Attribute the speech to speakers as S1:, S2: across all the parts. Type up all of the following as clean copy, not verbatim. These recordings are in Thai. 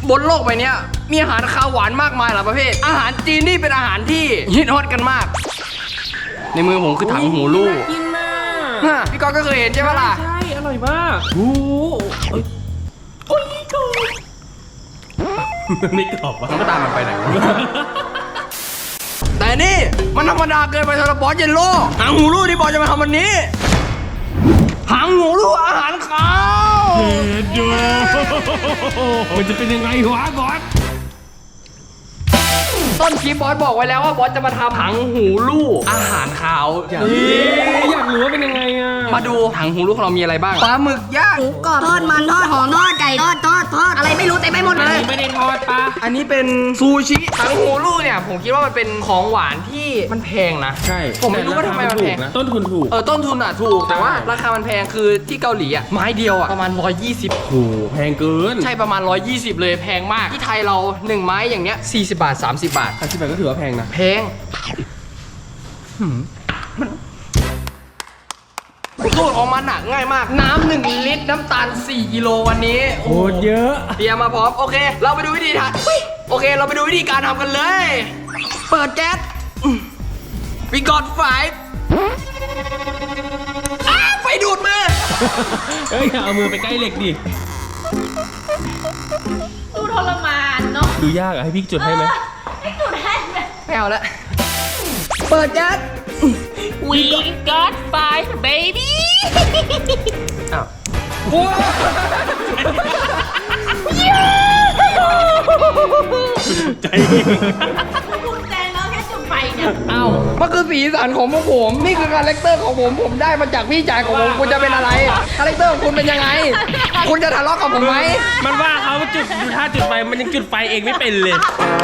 S1: บนโลกใบนี้มีอาหารคาวหวานมากมายหลายประเภทอาหารจีนนี่เป็นอาหารที่ฮิตฮอตกันมาก ในมือผมคือถังหูลูก
S2: กินมาก
S1: พี่ก๊อตก็เคยเห็นใช่ไหมล่ะ
S2: ใช่อร่อยมากโอ้โอ้ยกรอบไม่กรอบวะ
S1: มันก็ตามมันไปไหน แต่นี่มันธรรมดาเกินไปสำหรับบอสเยลโล่หางหูลูกที่บอสจะมาทำวันนี้หางหูลูกอาหารคาว
S2: เผ็ดอยู่มันจะเป็นยังไงวะบอส
S1: ต้นคลิปบอสบอกไว้แล้วว่าบอสจะมาทำหางหูลูกอาหารคาว
S2: อยากรู้ว่าเป็นยังไงอ่ะ
S1: มาดูหางหูลูกของเรามีอะไรบ้างปลาหมึกย่าง
S3: หมูกรอบทอดมันทอดหอมทอดไก่ทอดอะไรไม่รู้เต็มไปหมด
S2: อัน
S3: เลย
S2: นี้ไม่ได้ทอดปะ
S1: อันนี้เป็นซูชิหางหูลูกเนี่ยผมคิดว่ามันเป็นของหวานที่มันแพงนะ
S2: ใช่
S1: ผมไม่รู้ว่าทำไมมันแพง
S2: นะต้นทุนถูก
S1: ต้นทุนอ่ะถูกแต่ว่าราคามันแพงคือที่เกาหลีอ่ะไม้เดียวอ่ะประมาณ120
S2: โอ้โหแพงเกิน
S1: ใช่ประมาณ120เลยแพงมากที่ไทยเรา1ไม้อย่างเงี้ย40 บาท30 บาท
S2: 80 บาทก็ถือว่าแพงนะ
S1: แพงสูตรของมันอะง่ายมากน้ำ1 ลิตรน้ำตาล4 กิโลวันนี้
S2: โคตรเยอะ
S1: เตรียมมาพร้อมโอเค เราไปดูวิธีทำโอเค เราไปดูวิธีการทำกันเลย เปิดแก๊สWe got 5ไฟดูดมือ
S2: เฮ้ยอย่าเอามือไปใกล้เหล็กดิ
S3: ดูทรมานเนาะ
S2: ดูยากอะให้พี่จุดให้ไหม
S3: ไม่จุดให้ไหม
S1: ไม่เอาละเปิดแก๊ส
S3: We got 5 baby
S1: อ้าว
S2: ใจ
S3: ภูมิใจแล้วแค่จุดไฟเนี่ย
S1: อ้าวมันคือสีสันของพวกผมนี่คือคาแรคเตอร์ของผมได้มาจากพี่ชายของผมคุณจะเป็นอะไรคาแรคเตอร์ของคุณเป็นยังไง คุณจะทะเลาะกับผมไหม
S2: มันว่าเขาจุดดูท่าจุดไฟมันยังจุดไฟเองไม่เป็นเลย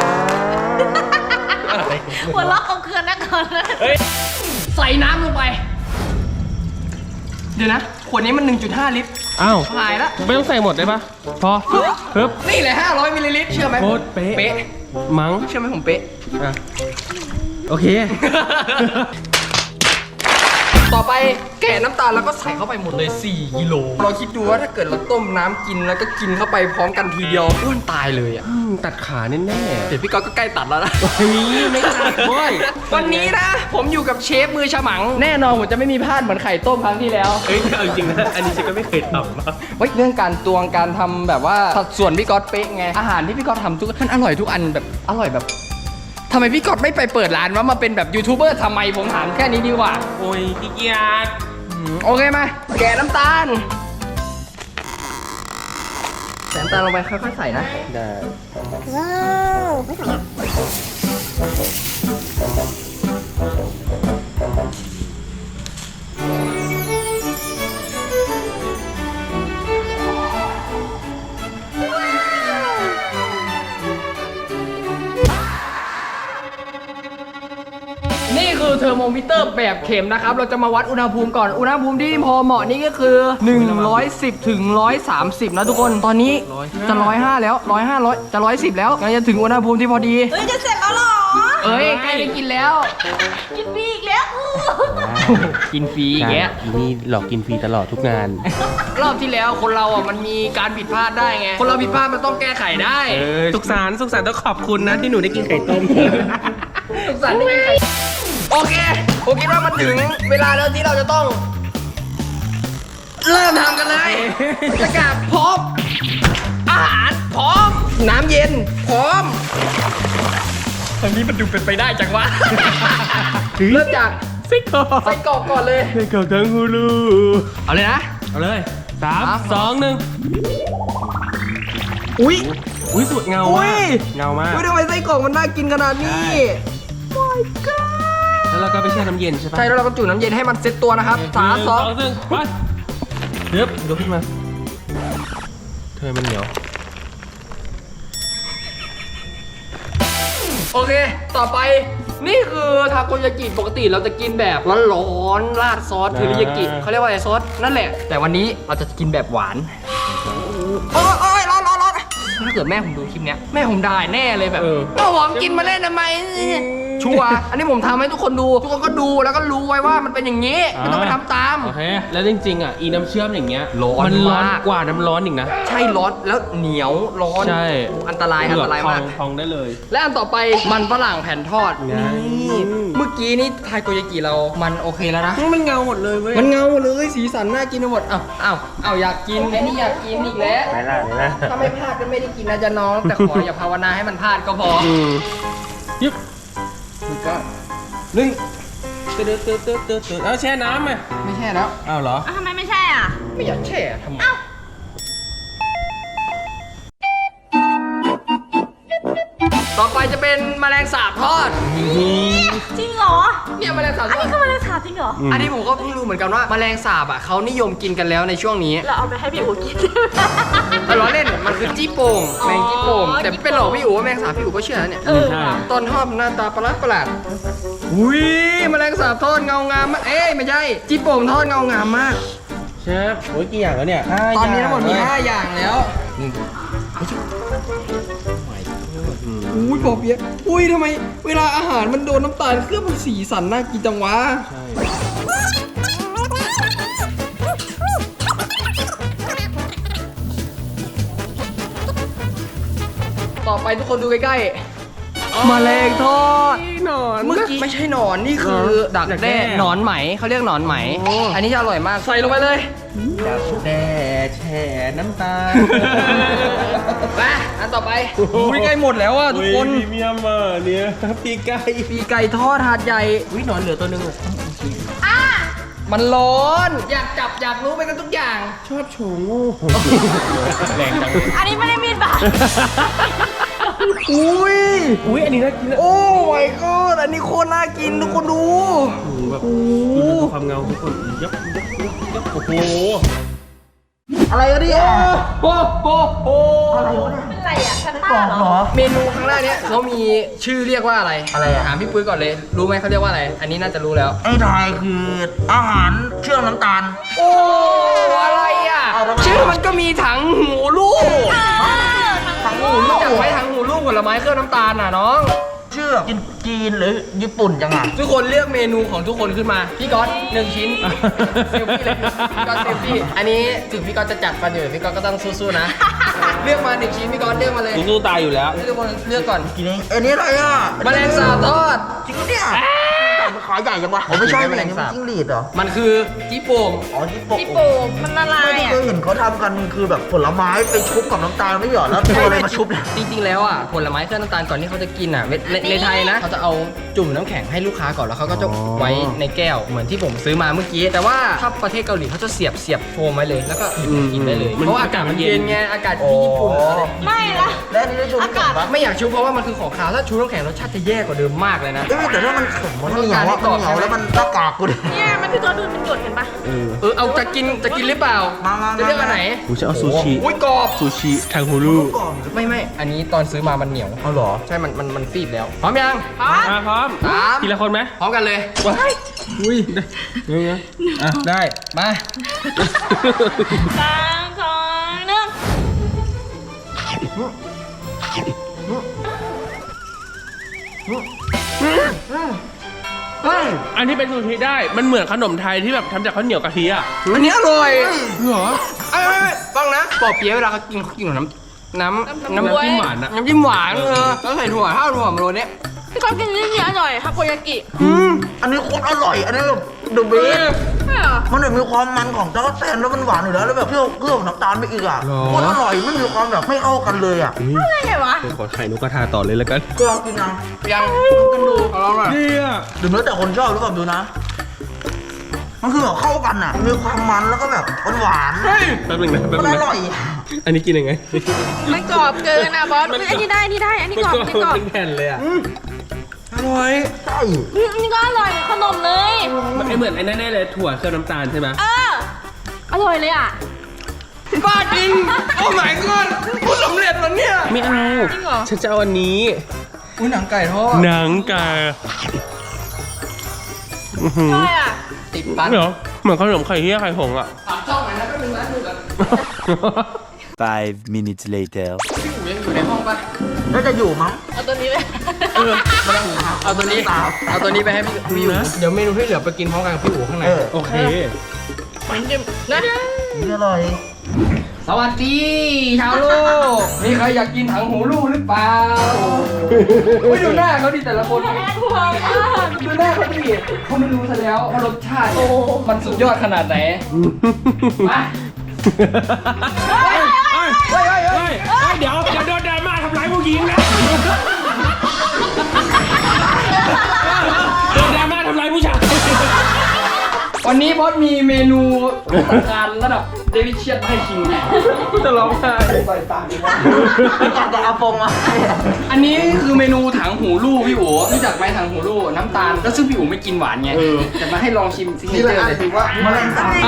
S3: หัวเราะเอาเคือนนะก่อนเลย
S2: เฮ้ย
S1: ใส่น้ำลงไป เดี๋ยวนะ ขวดนี้มัน 1.5 ลิตร
S2: อ้าว
S1: หายละ
S2: ไม่ต้องใส่หมดได้ปะพอปึ๊บ
S1: นี่แหละ500 มิลลิลิตร เชื่อไหม
S2: โคตรเป๊ะ
S1: เป๊ะ
S2: มั้ง
S1: เชื่อไหมผมเป๊ะ
S2: อ่ะโอเค
S1: ต่อไปแกะน้ำตาลแล้วก็ใส่เข้าไปหมดเลย 4 กิโล เราคิดดูว่าถ้าเกิดเราต้มน้ำกินแล้วก็กินเข้าไปพร้อมกันทีเดียวอ้วนตายเลยอ่ะ
S2: ตัดขาแน่
S1: เดี๋ยวพี่ก๊อตก็ใกล้ตัดแล้วนะ
S2: ๆไม่ตัดเว้ย
S1: วันนี้นะ ผมอยู่กับเชฟมือฉมัง แน่นอนผมจะไม่มีพลาดเหมือนไข่ต้มครั้งที่แล้ว
S2: เฮ้ยเอาจริงนะอันนี้ฉันก็ไม่เคยทำนะ
S1: เฮ้ยเรื่องการตวงการทำแบบว่าสัดส่วนพี่ก๊อตเป๊ะไงอาหารที่พี่ก๊อตทำทุกมันอร่อยทุกอันแบบอร่อยแบบทำไมพี่ก๊อตไม่ไปเปิดร้านว่ามาเป็นแบบยูทูบเบอร์ทำไมผมถามแค่นี้ดีกว่า
S2: โอ้ยขี้เกียจ
S1: โอเคมาแกะน้ำตาลใส่น้ำตาลลงไปค่อยๆใส่นะ
S2: ได้
S1: นี่คือเทอร์โมมิเตอร์แบบเข็มนะครับ เราจะมาวัดอุณหภูมิก่อน อุณหภูมิที่พอเหมาะนี่ก็คือ 110 ถึง 130 นะทุกคน ตอนนี้จะ 105 แล้ว 105 จะ 110 แล้วงั้นจะถึงอุณหภูมิที่พอดี
S3: เฮ้ยจะเสร็จแล้วเหรอ
S1: เอ้ยใกล้ได้กินแล้ว
S3: กินฟรีอีกแล้ว
S1: กินฟรีอย่างเงี้ย
S2: อีนี่หลอกกินฟรีตลอดทุกงาน
S1: รอบที่แล้วคนเราอ่ะมันมีการผิดพลาดได้ไง คนเราผิดพลาดมันต้องแก้ไขได้
S2: สุขสันต์ต้องขอบคุณนะที่หนูได้กินไข่ต้ม
S1: สุขสันต์ได้ไงโอเค ผมคิดว่ามันถึงเวลาแล้วที่เราจะต้อง เริ่มทำกันเลยอากาศพร้อม อาหารพร้อม น้ำเย็นพร้อมอันนี้มันดูเป็นไปได้จังวะ เริ่มจาก
S2: ไส้กรอก
S1: ใส่กรอกก่อนเลย
S2: ไส้กรอกทั้งฮูลู
S1: เอาเลยนะ
S2: เอาเลย3 2 1
S1: อุ้ย
S2: อุ้ยสวยเงา
S1: อุ้
S2: มาย กเงามาก
S1: อุ้ยทำไมไส้กรอกมันน่ากินขนาดนี้
S2: แล้วเราก็ไปแช่น้ำเย็นใช่ปะ
S1: ใช่แล้วเราก็จุ่มน้ำเย็นให้มันเซ็ตตัวนะครับ3 2
S2: 1ไปเดี๋ยวยกขึ้นมาเธอมันเหนียว
S1: โอเค ต่อไป นี่คือทาโกยากิปกติเราจะกินแบบร้อนๆราดซอสเทอริยากิเขาเรียกว่าอะไรซอสนั่นแหละ แต่วันนี้เราจะกินแบบหวาน โอ้ยร้อนาเกิดแม่ผมดูคลิปเนี้ยแม่ผมด่าแน่เลยแบบเอาหอมกินมาเล่นทำไมชัวร์อันนี้ผมทำให้ทุกคนดูทุกคนก็ดูแล้วก็รู้ไว้ว่ามันเป็นอย่างนี้ไม่ต้องไปทำตาม
S2: โอเคแล้วจริงๆอ่ะอีน้ำเชื่อมอย่างเงี้ย
S1: ร้อน
S2: มันร้อน
S1: มาก
S2: กว่าน้ำร้อนอีกนะ
S1: ใช่ร้อนแล้วเหนียวร้อน
S2: ใช่
S1: อันตรายมาก
S2: พองได้เลย
S1: และอันต่อไปมันฝรั่งแผ่นทอด
S2: ไง
S1: นี่เมื่อกี้นี่ไทโกยากิเรามันโอเคแล้วนะ
S2: มันเงาหมดเลยเว้ย
S1: มันเงาเลยสีสันน่ากินไปหมดอ้าวอยากกินไอ้นี่อยากกินอีกแล้ว
S2: ไหนล่ะไหนล่ะ
S1: ถ้าไม่พลาดก็ไม่ได้กินนะจ๊ะน้อง แต่ขออย่าภาวนาให้มันพลาดก็พอ
S2: ยึบ
S1: มันก็
S2: นึ่งตื่นเอาแช่น้ำไหม
S1: ไม่ใช่แล้ว
S2: อ้าวเหรอ
S3: ทำไมไม่ใช่อ่ะ
S1: ไม่อยากแช่ทำไมต่อไปจะเป็นแมลงสาบทอด
S3: จริงเหรอ
S1: เนี่ยแมลงสาบท
S3: อัน
S1: อด
S3: นี้คือแมลงสาบจริงเหรอ
S1: อันนี้ผมก็เพิ่งรู้เหมือนกันว่าแมลงสาบอ่ะเขานิยมกินกันแล้วในช่วงนี้
S3: เราเอาไปให้พี่อู๋กิน
S1: แต่ล้อเล่นมันคือจี้โป่ง
S3: อ๋อ
S1: แมงจี้โป่งแต่
S3: จี้โป่ง
S1: เป็นหลอกพี่อู๋ว่าแมงสาบพี่อู๋ก็เชื่อนะเนี่ย
S3: เออ
S2: ใช่
S1: ต้นทอดหน้าตาประหลาดอุ้ยแมลงสาบทอดเงางามมากเอ้ยไม่ใช่จี้โป่งทอดเงางามมาก
S2: เชฟโอ้ยกี่อย่างแล้วเนี่ย
S1: ตอนนี้ทั้งหมดมี5อย่างแล้วอุ้ยปอเปี๊ยะอุ้ยทำไมเวลาอาหารมันโดนน้ำตาลเคลือบมันสีสันน่ากินจังวะ
S2: ใช่
S1: ต่อไปทุกคนดูใกล้ๆแมลงทอด
S2: หนอน
S1: เมื่อกี้ไม่ใช่หนอนนี่คือดักแด้หนอนไหมเขาเรียกหนอนไหม
S2: โอ้
S1: อันนี้จะอร่อยมากใส่ลงไปเลย
S2: ดักแด้แช่น้ำตาล
S1: ไปอันต่อไปอุ้ยใกล้หมดแล้วอ่ะทุกคน
S2: พรีเมียมอ่ะเนี่ยปีกไก่
S1: ปีกไก่ทอดถาดใหญ่
S2: อุ้ยหนอนเหลือตัวนึงอ่ะ
S1: มันร้อนอยากจับอยากรู้ไปกันทุกอย่าง
S2: ชอบโชว์งูแรงจัง
S3: อันนี้ไม่ได้มีดบาด
S1: อุ้ย
S2: อุ้ยอันนี้น่ากินนะ
S1: โอ้ my god อันนี้โคตรน่ากินทุกคนดู
S2: แบบดูความเงาทุกคนยับโอ้โห
S1: อะไรกันเนี่ยโอ้โหอะไรวะ
S3: เป็นไรอ่ะแพนต้าเหรอ
S1: เมนูข้างหน้าเนี้ยเขามีชื่อเรียกว่าอะไร
S4: อะไรอะ
S1: ถามพี่ปุ้ยก่อนเลย รู้ไหมเขาเรียกว่าอะไร อันนี้น่าจะรู้แล้ว
S4: ไอ้ทายคืออาหารเชื่อมน้ำตาล
S1: โอ้ อะไรอ่ะ
S4: เอาทำไม
S1: ชื่อมันก็มีถังหูลูกถังหูลูกจากไว้ถังหูลูกผลไม้เครื่องน้ำตาลน่ะน้อง
S4: เชื่อจีนหรือญี่ปุ่นจังอ่ะ
S1: ทุกคนเลือกเมนูของทุกคนขึ้นมา พี่ก๊อต1 ชิ้นเซลฟี่เลยพี่ก๊อตเซลฟี่อันนี้ถึงพี่ก๊อตจะจัดฟันอยู่พี่ก๊อตก็ต้องสู้ๆนะ เลือกมา1 ชิ้นพี่ก๊อตเลือกมาเลย
S2: กูสู้ตายอยู่แล้ว
S1: ทุกคนเลือกก่อน
S4: กินเองอันนี้อะไรอ่ะ
S1: แมลงสาบทอด
S4: จริงปะเนี่ยมันขาใหญ่จังวะผมไม่ใช่
S1: แม
S4: แม
S1: ล
S4: ล
S1: ง
S4: ง
S1: สาบ
S4: จิ้งหรีดเหรอ
S1: มันคือจี้โป่ง
S4: อ๋อญี่ปุ่น
S3: พี่ปูมันละลาย
S4: ไม่
S3: อ่ะ
S4: เคยเห็นเขาทำกันคือแบบผลไม้ไปชุบกับน้ำตาลไม่เหรอแล้วตัวอะไรมาชุบเนี่ย
S1: จริงๆแล้วอ่ะผลไม้เครื่องน้ำตาลก่อนที่เขาจะกินอ่ะในไทยนะเขาจะเอาจุ่มน้ำแข็งให้ลูกค้าก่อนแล้วเขาก็จะไว้ในแก้วเหมือนที่ผมซื้อมาเมื่อกี้ แต่ว่าถ้าประเทศเกาหลีเขาจะเสียบโฟมไว้เลยแล้วก็กินได้เลย
S2: มัน
S1: เพราะว่าอากาศมันเย็นไงอากาศที่ญี่ปุ่นอะไร
S3: ไม่ละ
S4: แล้วอันนี้ได้ชุบน้ำแข็งปะ
S1: ไม่อยากชุบเพราะว่ามันคือของขาวถ้าชุบน้ำแข็งรสชาติจะแย่กว่าเดิมมากเลยนะ
S4: เอ้ยแต่ถ้ามันแข็งมันเหนียวอะมันเหนียวแล้วมันหน้ากากกูดิ
S3: เนี่ยมันคือตัวดูดมันหยดเห็นปะ
S1: เอาจะกินหรือเปล่า
S4: มา
S1: จะเลือกอันไหน
S2: กูจะเอาซูชิ
S1: อุ้ยกรอบ
S2: ซูชิทางฮูลู
S4: ก่อน
S1: ไม่อันนี้ตอนซื้อมามันเหนียว
S4: เอาเหรอ
S1: ใช่มันฟีบแล้วพร้อมยัง
S2: มาพร้อม
S1: สาม
S2: ทีละคนไหม
S1: พร้อมกันเลย
S2: อุ้ยได้อ่ะได้
S1: มา
S3: 3 2 1
S2: อันที่เป็นซูชิได้ มันเหมือนขนมไทยที่แบบทำจากข้าวเหนียวกะทิอ่ะ
S1: อันนี้อร่อย
S2: เหรอ
S1: ไม่ฟังนะปอเปี๊ยะเวลาเขากินกับน้ำ
S2: น้ำจิ้มหวานอะ
S1: น้ำจิ้มหวานแล้วใส่ถั่วถ้าถั่วมาโรยเนี้ย
S3: พี่ก๊อฟกินนี่อร่อยทาโกยากิ
S4: อันนี้โคตรอร่อย อันนี้แบบเดอะเบส
S3: ใช่เหรอ
S4: มันแบบมีความมันของจักรแตนแล้วมันหวานอยู่แล้วแล้วแบบเครื่องน้ำตาลไปอีกอ่ะโคตรอร่อยไม่มีความแบบไม่เข้ากันเลยอ่ะ
S3: อะไรไงวะ
S2: ขอไข่นกกระทาต่อเลยแล้วกัน
S4: ก็ลองกินนะ
S1: ยังกันดูเอาลองหน่อย
S2: เนี่ย
S4: หรือแล้วแต่คนชอบหรือเปล่าดูนะ มันคือแบบเข้ากันอ่ะ มีความมันแล้วก็แบบหวาน
S2: แป๊บนึงนะแป๊บ
S4: มัน
S2: นึง
S4: อ
S2: นะ
S4: ร่อย
S2: อันนี้กินยังไง
S3: มันกรอบเกินอ่ะบอสอันนี้ได้อันนี้กรอบอันนี้กรอบ
S2: เป็นแผ่นเลยอ่ะ
S1: อร่อย
S4: ใช่
S3: อันนี้ก็อร่อยเหมือนขนมเลย
S2: มันเหมือนไอ้นั่นแน่เลยถั่วเคลือบน้ำตาลใช่ไหม
S3: อร่อยเลยอ่ะ
S1: บ้าจริงโอ้ my god พูดสำเร็จแล้วเนี่ย
S2: ไม่เอา
S3: จริงเหรอ
S2: ฉันจะเอาอันนี้
S1: อุ้ยหนังไก่ทอด
S2: หนังไก่
S3: ใช่อ่ะ
S1: ติดปัน
S2: เหรอเหมือนขนมไข่เหี้ยไข่หงส์อ่ะ
S1: ฝากช่องหน่อยนะก็เป็นร้านดูกัน
S5: 5 minutes later.
S1: พี่อู๋ยังอยู่ในห้องปะ
S4: น่าจะอยู่มั้ง
S3: เอาตัวนี้ไป
S1: เอาตัวนี้ไปให้พี่อู๋เดี๋ยวเมนูที่เหลือไปกินพร้อมกันกับพี่อู๋ข้างใน
S2: โอเค
S1: นะ
S4: นี่อร่อย
S1: สวัสดีชาวโลกมีใครอยากกินถังหูลูกหรือเปล่าไม่ดูหน้าเขาดิแต่ละคน
S3: กลัวมาก
S1: ดูหน้าเขาดิเขาไม่รู้ซะแล้วว่ารสชาติมันสุดยอดขนาดไหนมา
S2: เดี๋ยวโดนดราม่าทำร้ายผู้หญิงนะโดนดราม่าทำร้ายผู้ชาย
S1: วันนี้บอสมีเมนูการระดับเดลิเชียสให้ชิมจะร้องไห้ใส่ตาดีว่า
S4: อยากจะเอาฟงมา
S1: อันนี้คือเมนูถังหูลูกพี่อู๋รู้จักไหมถังหูลูกน้ำตาลแล้วซึ่งพี่อู๋ไม่กินหวานไงแต่มาให้ลองชิมซิกเนเจอร์เลย
S4: แมลงสาบ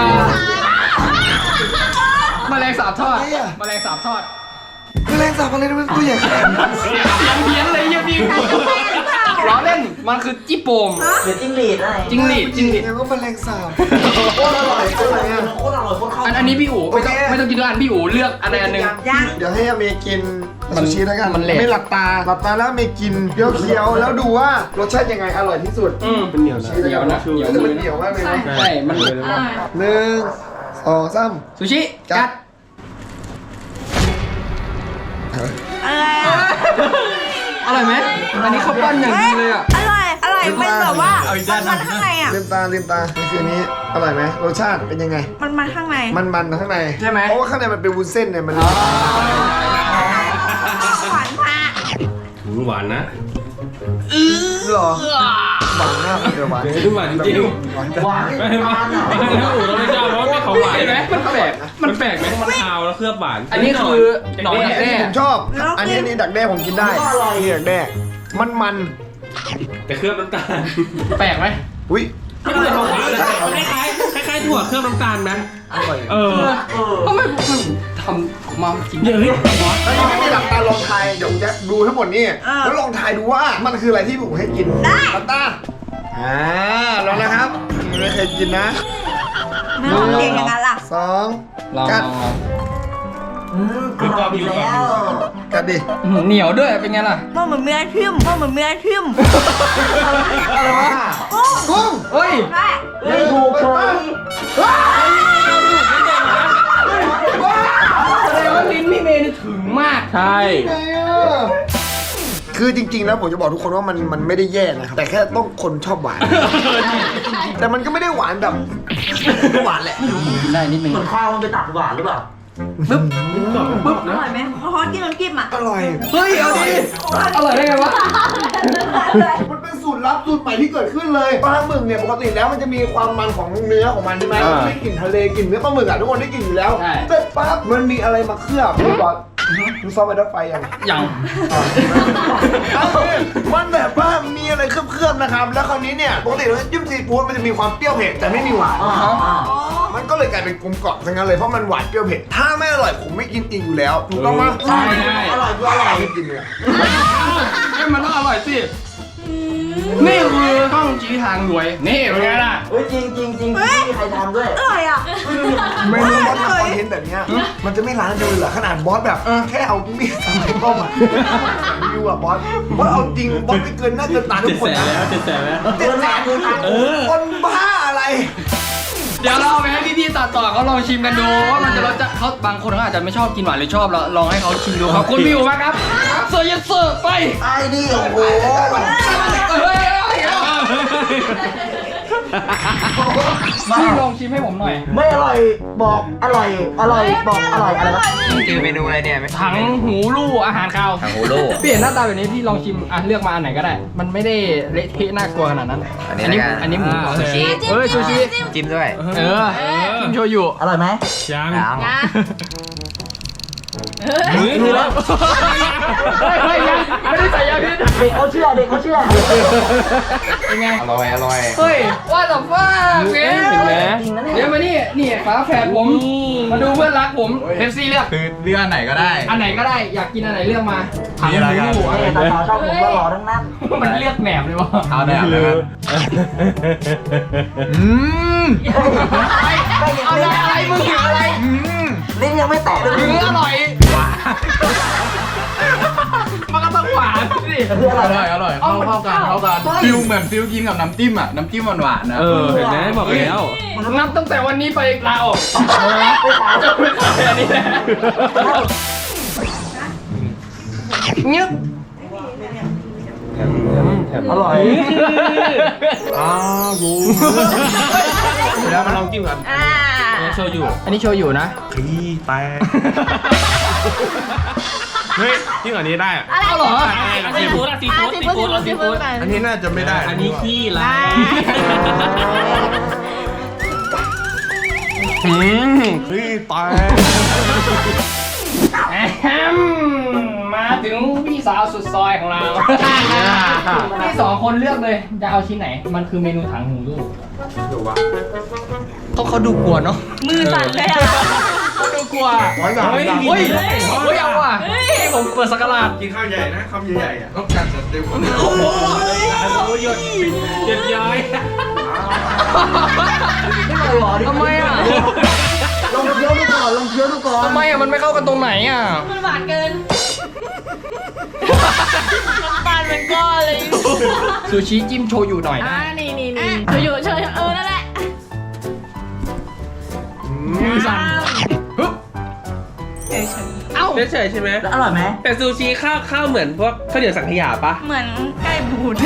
S1: แมลงสาบทอดแมลงสาบทอด
S4: แมลงสาบอะไรนี่มันตัวใหญ่ขนาดนั้น
S1: เสียงเพี้ยนเลยเยี่ยพี่ล้อเล่นมันคือจี้โป่ม
S4: เดี๋ยวจิ้งหรีดอะไร
S1: จิ้งหรีด
S4: เนี่ยก็แมลงสาบโคตรอร่อยโคตรอร่อยโคตรอร่อยโคตรเข้า
S1: อันนี้พี่อู๋ไม่ต้องกินด้วยอันพี่อู๋เลือกอะไรอันหนึ่ง
S3: ยัง
S6: เดี๋ยวให้อเมย์กิน
S1: มัน
S6: ซูชิแล้วกัน
S1: มันเละ
S6: ไม่หลับตาแล้วอเมย์กินเคี้ยวๆแล้วดูว่ารสชาติยังไงอร่อยที่สุด
S2: มันเหนียวนะ
S1: เหนียวนะเหนียว
S6: แต่มันเหนียวมากเลยนะ
S1: ใช่มัน
S6: 1 2 3
S1: ซูชิกัด
S3: อะไรอ่ะ
S1: อร่อยไหมอันนี้ข้าวปั้นอย่างดีเลยอ่ะ
S3: อร่อยมันแบบว่ามันข้างในอ่ะ
S6: ลืมตานี่คืออันนี้อร่อยไหมรสชาติเป็นยังไง
S3: มันข้างใน
S6: มันข้างใน
S1: ใช่ไหม
S6: เพราะว่าข้างในมันเป็นวุ้นเส้นเนี่ยมัน
S3: หวานมาก
S2: หวานนะ
S6: หรอหวานมากเลยหวาน
S2: หวานจริง
S6: หวาน
S2: ไม่ถ้าอู๋เราไม่ชอบเพราะว่าไม่ของหวาน
S1: เห็นไหมมันแปลก
S2: มันแปลกไหมมันคาวแล้วเคลือบหวาน
S1: อันนี้คือหนอนดักแด้
S6: ผมชอบอันนี้ดักแด้ผมกินได้นี่ดักแด้มัน
S2: แต่เคลือบน้ำตาล
S1: แปลกไหม
S6: อุ้ย
S2: ไม่เคยของหวานเลยคล้ายถั่วเคลือบน้ำตาลไหม
S6: อร่อย
S1: ทำไมมันทำออกมากิน
S2: เยอะเลย
S6: แล้วนี่ไม่มีหลับตาลองทายเดี๋ยวผมจะดูทั้งหมดนี่แล้วลองทายดูว่ามันคืออะไรที่ผมให้กินหลับตาลองนะครับไม่เคยกินนะ
S3: ไม่ลองเก่งอย่างนั้นล่ะ
S6: 2
S1: ลอง
S6: กัด
S2: คือกรอบอยู่แล้ว
S6: กัดดิ
S1: เหนียวด้วยเป็นไงล่ะ
S3: มันเหมือนเนื้อทิ่มมันเหมือนเนื้อทิ่ม
S1: อะไรวะ
S6: กุ้ง
S1: เฮ้ย
S3: ใช่
S6: ไม่ถูกเลย
S1: แสดงว่าลิ้นพี่เมย์นี่ถึงมาก
S2: ใช่
S6: คือจริงๆแล้วผมจะบอกทุกคนว่ามันไม่ได้แย่นะครับแต่แค่ต้องคนชอบหวาน แต่มันก็ไม่ได้หวานแบบหวานแหละ
S1: ได้นิดนึง
S4: เหมือนข้าวมันไปตัดหวานหรือเปล่า
S1: ปึ๊บ
S3: อร่อยไหมฮอตกินน้ำจิ้มอ่ะ
S6: อร่อย
S1: เฮ้ยเอาดิอร่อยได้ไงวะ
S6: มันเป็นสูตรลับสูตรใหม่ที่เกิดขึ้นเลยปลาหมึกเนี่ยปกติแล้วมันจะมีความมันของเนื้อของมันใช่ไหมมันได้กลิ่นทะเลกลิ่นเนื้อปลาหมึกอ่ะทุกคนได้กลิ่นอยู่แล้วเสร็จปั๊บมันมีอะไรมาเคลือบพี่บอสมึงซ้อมไปดับไฟยัง
S1: อย่าง
S6: มันแบบว่ามีอะไรเคลือบๆนะครับ แล้วคราวนี้เนี่ยปกติเราจิ้มซีฟู้ดมันจะมีความเปรี้ยวเผ็ดแต่ไม่มีหวาน มันก็เลยกลายเป็นกลมกล่อมซะงั้นเลยเพราะมันหวานเปรี้ยวเผ็ดถ้าไม่อร่อยผมไม่กินอีกอยู่แล้วถูกต้องไหม
S1: ใช่ใช่
S6: อร่อยคืออร่อยไม่กินเลย
S1: ให้มันต้องอร่อยสิ นี่คือข้องชี้ทางรวย นี่เป็นไงล่ะ
S4: เฮ้ยจริงมีใครทำด้วย
S3: อร่อยอ่ะ
S6: ไม่รู้บอสทำคอนเทนต์แบบเนี้ยมันจะไม่ร้านเดียวเลยเหรอขนาดบอสแบบแค่เอามีดทำไมป้อมอ่ะรีวิวอ่ะบอสเอาจริงบอสไม่เกินหน้าเกินตาทุกคนนะ
S2: 700,000แล้ว
S6: 700,000คนบ้าอะไร
S1: เดี๋ยวเราเอาไปให้พี่ๆตัดต่อเขาลองชิมกันดูว่ามันจะรสจะเขาบางคนเขาอาจจะไม่ชอบกินหวานหรือชอบเราลองให้เขาชิมดูขอบคุณพี่อู๋มากครับเซอร์ยันเซอร์ไป
S4: ไอ้นี่โอ้โห
S1: เฮ้ยพี่ลองชิมให้ผมหน่อย
S4: ไม่อร่อยบอกอร่อยบอกอร่อยอะไรวะ
S1: คือเมนูอะไรเนี่ยถังหูลู่อาหารคาวถังหูลู่เปลี่ยนหน้าตาแบบนี้พี่ลองชิมอ่ะเลือกมาอันไหนก็ได้ มันไม่ได้เละเทะน่ากลัวขนาดนั้นอันนี้หมูซูชิซูชิจิ้มด้วยจิ้มโชยุ
S4: อร่อยไหม
S2: ยัง
S1: คือแล้วเฮ้ยยังไม่ได้ใส่ยาพิษ
S4: เด็กเขาเชื่อ
S1: เป็นไงอร่อยเฮ้ยว่าแต่ว่าเห็นไหมเดี๋ยวมานี่ฝาแฝดผมมาดูเพื่อนรักผมเพปซี่เลือก
S7: คือเลือกอันไหนก็ได้
S1: อันไหนก็ได้อยากกินอันไหนเลือกมาถัง
S7: มีอะไรกัน
S1: หู
S4: แต่สาวชอบผมก็หล่อทั้งนั้น
S1: มันเลือกแหนบเลยวะ
S7: เอาได้เอาได้
S1: เอาอะไรมึงถึงอะไร
S4: ลิ้นยังไม่แตะเลย
S1: อร่อย
S2: มันก็ต้องหวานสิ
S4: คืออร่อย
S5: อร่อยเข้ากันฟิลเหมือนฟิลกินกับน้ำจิ้มอ่ะน้ำจิ้มหวานๆนะ
S2: เออเห็นไหมบอกแล้ว
S1: นับตั้งแต่วันนี้ไปลาออก
S4: ไปขาย
S1: จะไม่ขายอันนี้แหละเงี้ย
S4: อร่อย
S2: แล้วมาลองจิ้มกัน
S3: อ่า
S2: โชยุ
S1: อันนี้โชว์อยู่นะ
S2: เฮ้ยจิ้มอันนี้ได้อะ
S3: อะไร
S1: เอาเหรอ
S2: ซีฟู้ดอะซีฟู้ดซีฟู้ดซีฟู้ด
S5: อันนี้น่าจะไม่ได้
S2: อันนี้ขี้ไร
S5: ขี้แตก
S1: มาถึงพี่สาวสุดซอยของเราพี่สองคนเลือกเลยจะเอาชิ้นไหน มันคือเมนูถังหูลูกเขาดูกลัวเนาะ
S3: มือสั่นเลยอ่ะ
S1: เขาดูกลัว
S2: เฮ้ย
S1: เฮ้ยเฮ้ยเอาว่ะให้ผมเปิดสักการะ
S5: กินข้าวใหญ่นะคำใหญ่ๆอ่ะต้องการจะเต็มคน
S2: โอ้ยหยดย้อย
S1: ทำไมอ่ะ
S4: ลองเคี้ยวดูก่อนลองเคี้ยวดูก่อน
S1: ทำไมอ่ะมันไม่เข้ากันตรงไหนอ่ะ
S3: มันหวานเกินน้ำตาลเป็นก้อนเลย
S1: ซูชิจิ้มโชยุหน่อย
S3: อ่า
S1: นะ
S3: นี่อยู่เฉยนั่นแหละ
S1: มือสั่นฮึบเอ้า
S2: เฉยๆใช่ไหม
S4: แล้วอร่อยไหม
S2: แต่ซูชิข้าวเหมือนพวกข้าวเหนียวสังขยาปะ
S3: เหมือนไก่บูด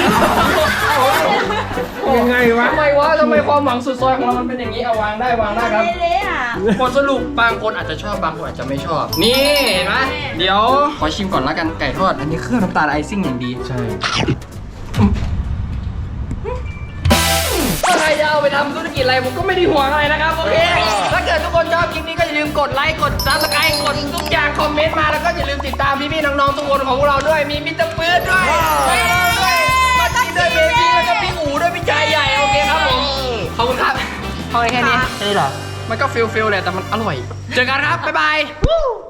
S2: ยังไงวะ
S1: ทำไมความหวังสุดซอยของเรามันเป็นอย่างนี้เอาวางได้ครับ
S3: เละๆอ่ะ
S1: บทสรุปบางคนอาจจะชอบบางคนอาจจะไม่ชอบ นี่เห็นไหมเดี๋ยวขอชิมก่อนละกันไก่ทอด อันนี้เครื่องน้ำตาลไอซิ่งอย่างดี
S2: ใช่
S1: ถ้าใครจะเอาไปทำธุรกิจอะไรผมก็ไม่ได้ห่วงอะไรนะครับโอเคถ้าเกิดทุกคนชอบคลิปนี้ก็อย่าลืมกดไลค์กดซับสไครต์กดทุกอย่างคอมเมนต์มาแล้วก็อย่าลืมติดตามพี่ๆน้องๆทุกคนของพวกเราด้วยมีมิสเตอร์ปื๊ดด้วยมาตีด้วยเบบี้แล้วก็พี่อู๋ด้วยพี่ชายใหญ่โอเคครับผมขอบคุณครับพอแค่นี้
S4: ใช่เหรอ
S1: มันก็ฟิลแหละแต่มันอร่อย เจอกันครับ บ๊ายบาย